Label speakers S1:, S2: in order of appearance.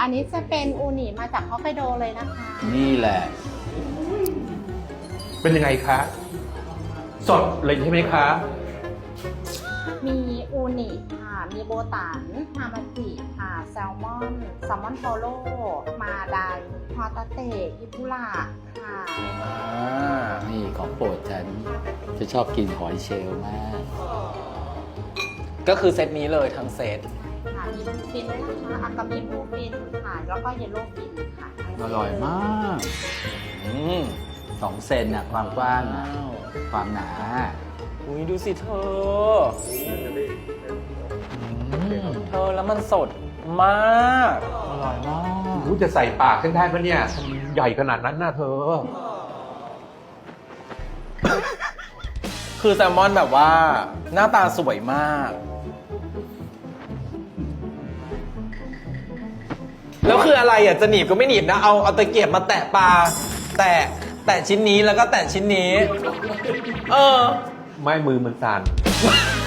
S1: อันนี้จะเป็นอูนิมาจากฮอกไกโดเลยนะคะ
S2: นี่แหละ
S3: เป็นยังไงคะ สดเลยใช่ไหมคะ
S1: มีอูนิค่ะ มีโบตันฮามาจิค่ะ แซลมอนโทโร่มาไดฮอตาเตะอิปุระค่ะ
S2: นี่ของโปรดฉันจะชอบกินหอยเชลล์มาก
S4: ก็คือเซตนี้เลยทั้งเซต
S1: ค่ะ มีบลูฟินด้วยนะคะอากามิบลูฟินค่ะ แล้วก็เยลโล่ฟินค่ะ
S2: อร่อยมาก 2 เซนน่ะความกว้างน่ะความหนา
S4: อุ้ยดูสิเธอ เธอแล้วมันสดมาก
S2: อร่อยมาก
S3: รู้จะใส่ปากฉันได้ปะเนี่ยทำไมใหญ่ขนาดนั้นน่ะเธอ
S4: คือแซลมอนแบบว่าหน้าตาสวยมาก แล้วคืออะไรอ่ะจะหนีบก็ไม่หนีบนะ เอาตะเกียบมาแตะปลาแตะชิ้นนี้แล้วก็แตะชิ้นนี้ เออ
S3: ไม่มือมันสั่น